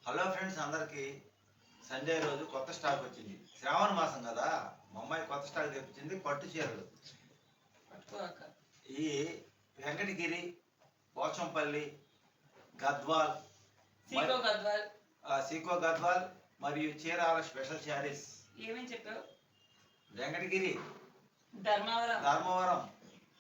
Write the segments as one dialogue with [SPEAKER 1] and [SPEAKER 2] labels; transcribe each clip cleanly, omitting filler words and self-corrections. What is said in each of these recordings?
[SPEAKER 1] Hello friends అందరికి Sunday రోజు కొత్త స్టాక్ వచ్చింది. శ్రావణ మాసం కదా, మా అమ్మాయి కొత్త స్టాక్ తెప్పించింది పట్టు చీరలు. ఈ వెంకటగిరి, పోచంపల్లి, గద్వాల్, సీకో గద్వాల్ మరియు చీరాల స్పెషల్ శారీస్.
[SPEAKER 2] ఏమేమి చెప్పావు?
[SPEAKER 1] వెంకటగిరి,
[SPEAKER 2] ధర్మవరం,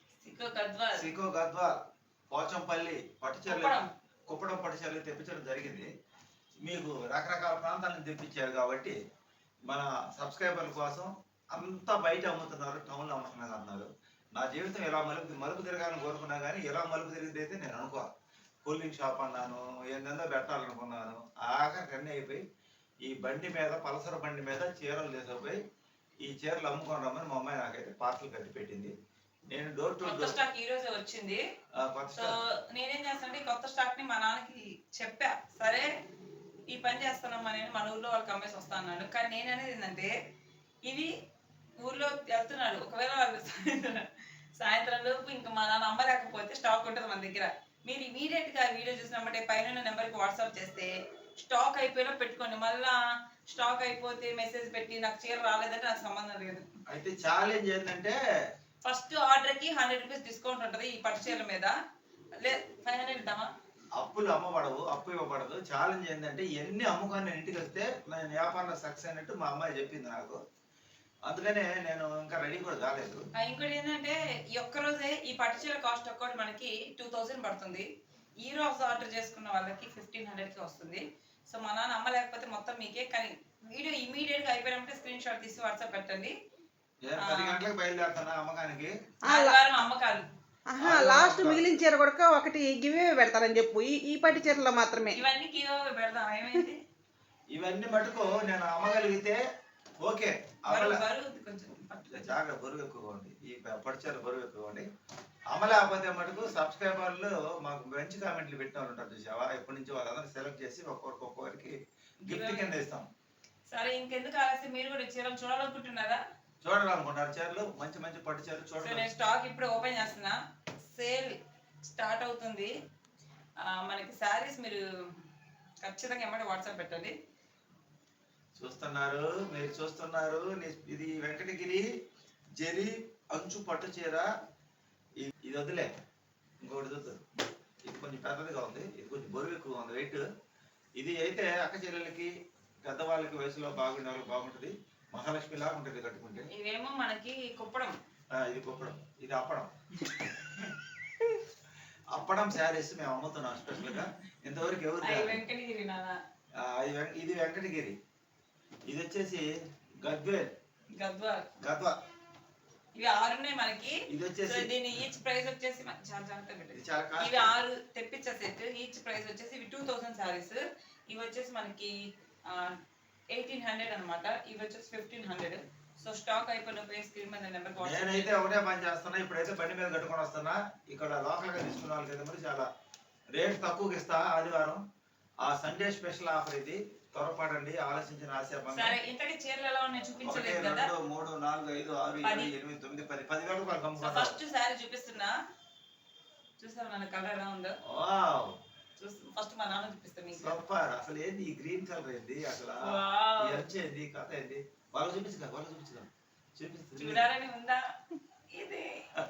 [SPEAKER 1] సీకో గద్వాల్, పోచంపల్లి పట్టు చీరలు, కుప్పడం పట్టు చీరలు తెప్పించడం జరిగింది. మీకు రకరకాల ప్రాంతాల నుంచి తెప్పించారు కాబట్టి మన సబ్స్క్రైబర్ల కోసం అంతా బయట అమ్ముతున్నారు, టౌన్లో అమ్ముతున్నారు అన్నారు. నా జీవితం ఇలా మలుపు తిరగాలని కోరుకున్నా కానీ ఇలా మలుపు తిరిగితే అయితే నేను అనుకోవాలి. కూలింగ్ షాప్ అన్నాను, ఏందో పెట్టాలనుకున్నాను. ఆఖరికి అన్నీ అయిపోయి ఈ బండి మీద, పలసర బండి మీద చీరలు తీసుకుపోయి ఈ చీరలు అమ్ముకొని రమ్మని మా అమ్మాయి నాకైతే పార్సల్ కట్టి పెట్టింది. నేను డోర్ టు డోర్
[SPEAKER 2] స్టాక్ ఈ రోజే వచ్చింది. సో నేనేం చేస్తానంటే కొత్త స్టాక్ ని మా నాన్నకి చెప్పా, సరే ఈ పని చేస్తున్నామా నేను మన ఊర్లో వాళ్ళకి అమ్మేసి వస్తా అన్నాడు. కానీ నేను అనేది ఏంటంటే ఇవి ఊర్లో వెళ్తున్నాడు, ఒకవేళ వాళ్ళు సాయంత్రం లోపు ఇంకా మా నాన్న అమ్మలేకపోతే స్టాక్ ఉంటుంది మన దగ్గర. మీరు ఇమీడియట్ గా వీడియో చూసినప్పుడే పైన నెంబర్కి వాట్సాప్ చేస్తే స్టాక్ అయిపోయినా పెట్టుకోండి. మళ్ళా స్టాక్ అయిపోతే మెసేజ్ పెట్టి నాకు చీర రాలేదంటే నాకు సంబంధం లేదు.
[SPEAKER 1] అయితే ఛాలెంజ్ ఏంటంటే
[SPEAKER 2] ఫస్ట్ ఆర్డర్ కి 100 రూపీస్ డిస్కౌంట్ ఉంటుంది ఈ పట్టు చీరల మీద. లేదు 500 ఇద్దామా?
[SPEAKER 1] అప్పులు అమ్మబడవు, అప్పు ఇవ్వబడదు. ఛాలెంజ్ ఏంటంటే ఎన్ని అమ్ముకొని నేను ఇంటికి వస్తే నేను వ్యాపారంలో సక్సెస్ అయినట్టు మా అమ్మాయి చెప్పింది నాకు. అందుకనే నేను ఇంకా రెడీ కూడా కాలేదు.
[SPEAKER 2] ఇంకోటి ఏంటంటే ఈ ఒక్క రోజే ఈ పట్టు చీర కాస్ట్ ఒక్కటి మనకి 2000 పడుతుంది. ఈ రోజు ఆర్డర్ చేసుకున్న వాళ్ళకి 1500కి వస్తుంది. సో మా నాన్న అమ్మ లేకపోతే మొత్తం మీకే. కానీ వీడియో ఇమీడియట్ గా అయిపోయినట్టే స్క్రీన్ షాట్ తీసి వాట్సాప్ పెట్టండి.
[SPEAKER 1] 10 గంటలకు బయలుదేరుతున్నా అమ్మకానికి.
[SPEAKER 2] ఆదివారం అమ్మకాలు.
[SPEAKER 3] లాస్ట్ మిగిలిన చీర కూడా ఒకటి గివే పెడతారని చెప్పు. ఈ పట్టు చీరలో మాత్రమే
[SPEAKER 2] ఇవన్నీ గివ్ పెడదాం. ఏమైంది?
[SPEAKER 1] ఇవన్నీ మటుకు నేను అమ్మగలిగితే ఓకే. జాగ్రత్త, బరువు ఎక్కువగా ఉంది. ఈ పట్టు చీర బరువు ఎక్కువగా ఉంది. అమ్మలేకపోతే మటుకు సబ్స్క్రైబర్లు మాకు మంచి కామెంట్లు పెట్టిన వాళ్ళు ఉంటారు చూసావా, ఎప్పటి నుంచి వాళ్ళందరూ సెలెక్ట్ చేసి ఒక్కొక్కరికి గిఫ్ట్ కింద ఇస్తాం.
[SPEAKER 2] సరే ఇంకెందుకు ఆలస్యం, మీరు కూడా చీరలు చూడాలనుకుంటున్నారా?
[SPEAKER 1] చూడాలనుకుంటారు చీరలు, మంచి మంచి పట్టు చీరలు చూడాలి.
[SPEAKER 2] నేను స్టాక్ ఇప్పుడు ఓపెన్ చేస్తున్నా. సేల్ స్టార్ట్ అవుతుంది. మనకి శారీస్ మీరు ఖచ్చితంగా ఏమంటే వాట్సాప్ పెట్టండి.
[SPEAKER 1] చూస్తున్నారు, మీరు చూస్తున్నారు. ఇది వెంకటగిరి జరి అంచు పట్టు చీర. ఇది వదిలే, ఇంకోటి చూద్దాం. ఇది కొంచెం పెద్దదిగా ఉంది, ఇది కొంచెం బరువు ఎక్కువగా ఉంది వెయిట్. ఇది అయితే అక్క చెల్లెలకి, పెద్దవాళ్ళకి, వయసులో బాగుండే వాళ్ళకి బాగుంటుంది. మహాలక్ష్మి లాగా ఉంటుంది కట్టుకుంటే.
[SPEAKER 2] ఇవేమో మనకి కుప్పడం,
[SPEAKER 1] ఇది కుప్పడం, ఇది అప్పడం. అప్పడం శారీస్ మేము అమ్ముతున్నాం స్పెషల్ గా. ఇంతవరకు ఎవరు
[SPEAKER 2] వెంకటగిరి.
[SPEAKER 1] ఇది వెంకటగిరి, ఇది వచ్చేసి గద్వాల్.
[SPEAKER 2] ఇవి 6 ఉన్నాయి మనకి.
[SPEAKER 1] ఇది వచ్చేసి
[SPEAKER 2] దీని ఈచ్ ప్రైస్ వచ్చేసి ఇవి 6 తెప్పించే సెట్. ఈచ్ ప్రైస్ వచ్చేసి ఇవి 2000 సారీస్. ఇవి వచ్చేసి మనకి 1800 అనమాట. ఇవి వచ్చేసి 1500. సో స్టాక్ అయిపోయిన స్క్రీన్ మీద నెంబర్.
[SPEAKER 1] నేనైతే ఒకటే పని చేస్తున్నా, ఇప్పుడైతే బండి మీద కట్టుకొని వస్తున్నా. ఇక్కడ లోకల్ గా తీసుకున్న వాళ్ళకి మరి చాలా రేట్ తక్కువకి ఇస్తా. ఆదివారం ఆ సండే స్పెషల్ ఆఫర్ ఇది. త్వరపడండి, ఆలోచించిన ఆశాభంగం.
[SPEAKER 2] సరే ఇంతకీ చీరలు ఎలా ఉన్నాయి చూపించలేదు కదా.
[SPEAKER 1] 2, 3, 4, 5, 6, 7, 8, 9, 10, 10,000 రూపాయలు కమ్ముకుంటా.
[SPEAKER 2] ఫస్ట్ సారీ చూపిస్తున్నా, చూసావా నాన్న కలర్ ఎలా ఉందో.
[SPEAKER 1] వావ్,
[SPEAKER 2] ఫస్ట్ మా నాన్న చూపిస్తా మీకు.
[SPEAKER 1] సూపర్. అసలు ఏంది ఈ గ్రీన్ కలర్ ఏంది, అసలు ఏంది కథ ఏంది? వాళ్ళు చూపించగా
[SPEAKER 2] చూడాలని ఉందా? ఇది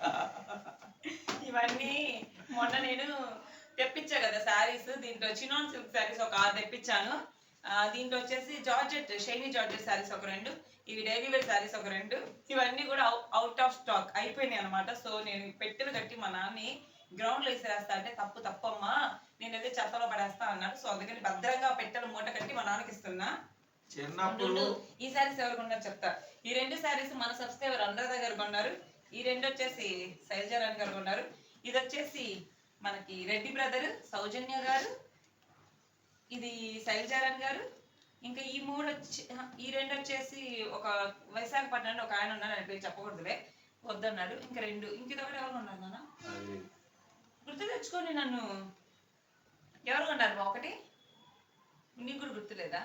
[SPEAKER 2] ఇవన్నీ మొన్న నేను తెప్పించా కదా శారీస్. దీంట్లో చినాన్ సిల్క్ శారీస్ ఒక 6 తెప్పించాను. దీంట్లో వచ్చేసి జార్జెట్, షైనీ జార్జెట్ శారీస్ ఒక 2, ఇవి డైలీ వేర్ శారీస్ ఒక 2. ఇవన్నీ కూడా అవుట్ ఆఫ్ స్టాక్ అయిపోయినాయి అనమాట. సో నేను పెట్టెలు కట్టి మా నాన్ని గ్రౌండ్ లో వేసేస్తా అంటే తప్పమ్మా, నేనైతే చెత్తలో పడేస్తా అన్నాడు. సో అందుకని భద్రంగా పెట్టెలు మూట కట్టి మా నాన్నకి ఇస్తున్నా.
[SPEAKER 1] చిన్నప్పుడు
[SPEAKER 2] ఈ శారీస్ ఎవరు కొన్నారు చెప్తా. ఈ 2 శారీస్ మన సబ్స్క్రైబర్ అందరి దగ్గర కొన్నారు. ఈ 2 వచ్చేసి శైలజారాణి గారు కొన్నారు. ఇది వచ్చేసి మనకి రెడ్డి బ్రదర్ సౌజన్య గారు, ఇది శైలజారాణి గారు. ఇంకా ఈ 2 వచ్చేసి ఒక విశాఖపట్నంలో ఒక ఆయన ఉన్నారు, ఆయన పేరు చెప్పకూడదులే, వద్దన్నాడు. ఇంకా 2, ఇంకొకటి ఎవరు కొన్నారు నాన్న? గుర్తు తెచ్చుకోండి నన్ను. ఎవరు కొన్నారు? ఒకటి నీకు కూడా గుర్తులేదా?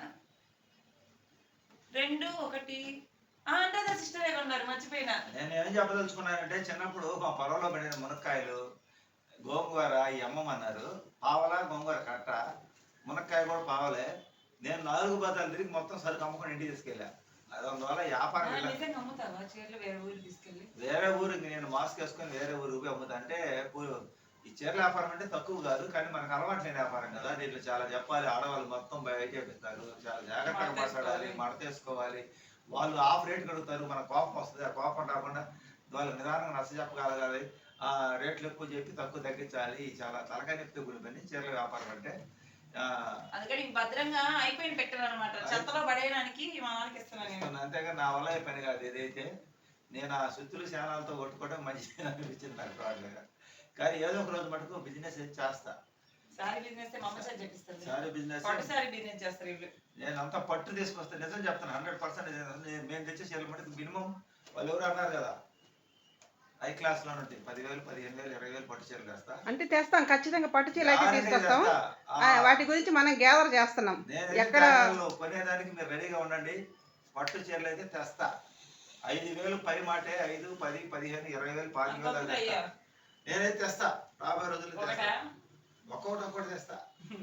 [SPEAKER 2] 2, 1 అంటే సిస్టరే కొన్నారు, మర్చిపోయినా.
[SPEAKER 1] నేను ఏం చెప్పదలుచుకున్నానంటే, చిన్నప్పుడు మా పొలంలో పడిన మునక్కాయలు, గోంగూర ఈ అమ్మమ్మన్నారు. పావలా గోంగూర కట్ట, మునక్కాయ కూడా పావలే. నేను 4 బతాలు తిరిగి మొత్తం సరుకు అమ్ముకొని ఇంటికి తీసుకెళ్ళా. అందువల్ల వ్యాపారం ఇలా
[SPEAKER 2] నిజంగా అమ్ముతావా చీరలు వేరే ఊరికి తీసుకెళ్ళి?
[SPEAKER 1] వేరే ఊరికి నేను మాస్క్ వేసుకొని వేరే ఊరికి అమ్ముతా. అంటే ఈ చీరల వ్యాపారం అంటే తక్కువ కాదు, కానీ మనకు అలవాటు లేని వ్యాపారం కదా. దీంట్లో చాలా చెప్పాలి. ఆడవాళ్ళు మొత్తం బయట పెడతారు, చాలా జాగ్రత్తగా మాట్లాడాలి, మడతేసుకోవాలి. వాళ్ళు ఆఫ్ రేట్ కడుగుతారు, మన కోపం వస్తుంది. ఆ కోపం రాకుండా వాళ్ళు నిదానంగా నచ్చ చెప్పగలగాలి. ఆ రేట్లు ఎక్కువ చెప్పి తక్కువ తగ్గించాలి. చాలా తలకాయ నొప్పి కూడిన పని చీరల వ్యాపారం అంటే.
[SPEAKER 2] అందుకని భద్రంగా అయిపోయిన పెట్టాలన్నమాట, చెత్తలో పడేయడానికి మా వాళ్ళకి ఇస్తున్నాను.
[SPEAKER 1] అంతేగాని నా వల్ల పని కాదు. ఏదైతే నేను ఆ సుత్తులు శానాలతో కొట్టుకోవడం మంచిగా అనిపించింది నాకు రావట్లేగా. కానీ ఏదో ఒక రోజు మటుకు బిజినెస్ చేస్తా.
[SPEAKER 2] సారీ బిజినెస్ మా అమ్మ సార్ చెప్పిస్తారు.
[SPEAKER 1] సారీ బిజినెస్,
[SPEAKER 2] పట్టు సారీ బిజినెస్ చేస్తారు వీళ్ళు.
[SPEAKER 1] నేను అంతా పట్టు తీసుకొస్తాను. నిజం చెప్తాను, 100%. మేము తెచ్చే చీరలు మటుకు మినిమం వాళ్ళు ఎవరు అన్నారు కదా, హై క్లాస్ లో ఉంటాయి. 10,000, 15,000, 20,000 పట్టు చీరలు వేస్తా.
[SPEAKER 3] అంటే తెస్తాం, ఖచ్చితంగా పట్టు చీరలు అయితే తీసుకొస్తాం. వాటి గురించి మనం గ్యాదర్ చేస్తున్నాం. ఎక్కడ
[SPEAKER 1] కొనేదానికి మీరు రెడీగా ఉండండి. పట్టు చీరలు అయితే తెస్తా. 5,000 పై మాటే, 5, 10, 15, 20,000, 25,000 నేనైతే తెస్తా. రాబోయే రోజుల్లో ఒక్కొక్కటి తెస్తా.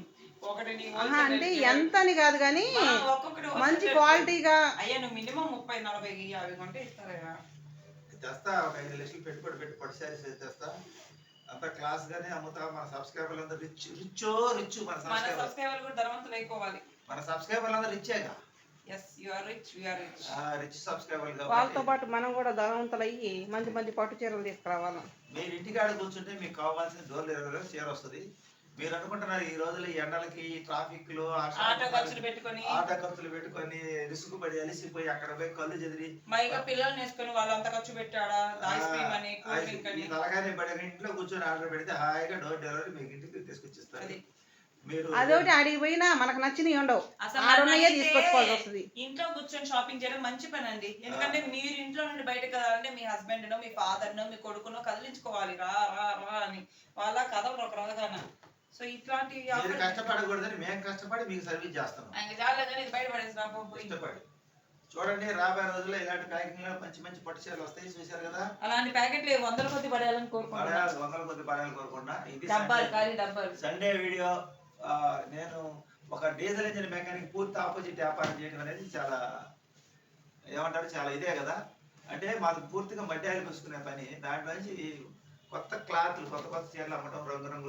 [SPEAKER 3] అంటే ఎంత అని కాదు కానీ మంచి క్వాలిటీగా.
[SPEAKER 2] అయ్యా నువ్వు మినిమం 30, 40, 50 కొంటే ఇస్తారా?
[SPEAKER 1] తెస్తా. ఒక 5 లక్షలు పెట్టుబడి పెట్టి పట్టు శారీస్ తెస్తా. అంత క్లాస్ గానే అమ్ముతా. మన సబ్స్క్రైబర్లు అందరూ రిచ్. మన
[SPEAKER 2] సబ్స్క్రైబర్లు కూడా ధనవంతులు అయిపోవాలి.
[SPEAKER 1] మన సబ్స్క్రైబర్లు అందరూ రిచ్చేగా.
[SPEAKER 2] yes you are rich, we are rich.
[SPEAKER 1] Rich సబ్స్క్రైబర్లు
[SPEAKER 3] వాళ్ళతో పాటు మనం కూడా ధనవంతులు అయ్యి మంచి మంచి పట్టు చీరలు తీసుకురావాలి.
[SPEAKER 1] మీరు ఇంటికాడ కూర్చుంటే మీకు కావాల్సిన డోర్ డెలివరీలో చీర వస్తుంది. మీరు అనుకుంటున్నారు ఈ రోజులు ఈ ఎండలకి, ట్రాఫిక్ లో
[SPEAKER 2] ఆటో ఖర్చులు
[SPEAKER 1] పెట్టుకొని రిస్క్ పడి అలిసిపోయి అక్కడ పోయి కళ్ళు చెదిరి
[SPEAKER 2] మైగా పిల్లల్ని వేసుకొని వాళ్ళంతా ఖర్చు పెట్టాడా, ఐస్ క్రీమ్ అని, కూల్ డ్రింక్ అని.
[SPEAKER 1] తలగానే పడి ఇంట్లో కూర్చొని ఆర్డర్ పెడితే హాయిగా డోర్ డెలివరీ మీకు ఇంటికి తీసుకొచ్చిస్తారు. మీరు
[SPEAKER 3] అదొకటి అడిగి పోయినా మనకు నచ్చినవి ఉండవు, ఆడున్నాయే తీసుకొచ్చుకోవాల్సి వస్తుంది.
[SPEAKER 2] ఇంట్లో కూర్చొని షాపింగ్ చేయడం మంచి పని అండి. ఎందుకంటే మీరు ఇంట్లో నుండి బయట కదాలంటే మీ హస్బెండ్ నో, మీ ఫాదర్ నో, మీ కొడుకునో కదిలించుకోవాలి. రా రా రా అని వాళ్ళ కథలు ఒక రోజుగానే. సో ఇట్లాంటి
[SPEAKER 1] కష్టపడకూడదని మేము కష్టపడి మీకు సర్వీస్ చేస్తాం. ఇష్టపడి చూడండి. రాబోయే రోజుల్లో ఇలాంటి ప్యాకింగ్ లో మంచి పట్టు చీరలు వస్తాయి. చూశారు కదా,
[SPEAKER 2] అలాంటి ప్యాకెట్లు 100 కొద్ది పడేయాలని కోరుకుంటున్నా.
[SPEAKER 1] 100 కొద్ది పడాలని కోరుకుంటున్నా. ఇది సండే వీడియో. నేను ఒక డీజిల్ ఇంజిన్ మెకానిక్ పూర్తి ఆపోజిట్ వ్యాపారం చేయడం అనేది చాలా ఏమంటారు, చాలా ఇదే కదా. అంటే మాకు పూర్తిగా మధ్యాహ్నం పూసుకునే పని. దాంట్లో నుంచి కొత్త క్లాత్లు, కొత్త చీరలు అమ్మటం, రంగురంగుల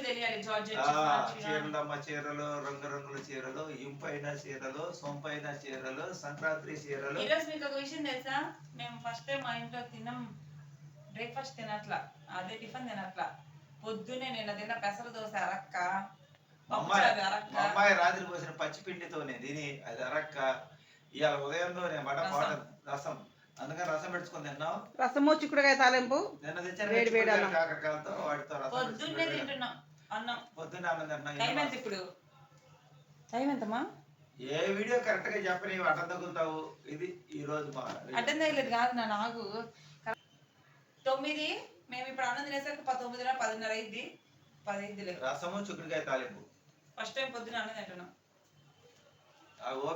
[SPEAKER 1] చీరలు అమ్మ చీరలు, రంగురంగుల చీరలు, ఇంపైన చీరలు, సొంపైన చీరలు, సంక్రాంతి చీరలు.
[SPEAKER 2] ఈరోజు మీకు ఒక విషయం తెలుసా, మేము ఫస్ట్ టైం మా ఇంట్లో బ్రేక్ఫాస్ట్ తినట్లా, అదే టిఫిన్ తినట్లా. పొద్దున్నే నిన్న తిన్న పెసర దోశ అరక్క,
[SPEAKER 1] అమ్మాయి రాత్రి పోసిన పచ్చిపిండితోనే తిని అది అరక్క. ఇవాళ ఉదయంలో నేను రసం, అందుకని రసం పెట్టుకుని తిన్నాం.
[SPEAKER 3] రసము, చిక్కుడుకాయ తాలింపు,
[SPEAKER 1] నిన్న తెచ్చాను కాకరకాయలతో. వాటితో రసం పొద్దున్నే
[SPEAKER 2] తింటున్నాం. అన్నం
[SPEAKER 1] తింటున్నాం.
[SPEAKER 2] ఇప్పుడు టైం ఎంతమ్మా?
[SPEAKER 1] ఏ వీడియో కరెక్ట్ గా చెప్పని అడ్డం తగ్గుతావు. ఇది ఈ రోజు
[SPEAKER 2] అడ్డం తగ్గలేదు కాదు నా నాకు 9. మేము ఇప్పుడు అన్నం తినేసరికి 9, 10:30 అయింది. 10
[SPEAKER 1] రసము, చిక్కుడుకాయ తాలింపు.
[SPEAKER 2] ఫస్ట్ టైం పొద్దున అన్నం తింటున్నాం.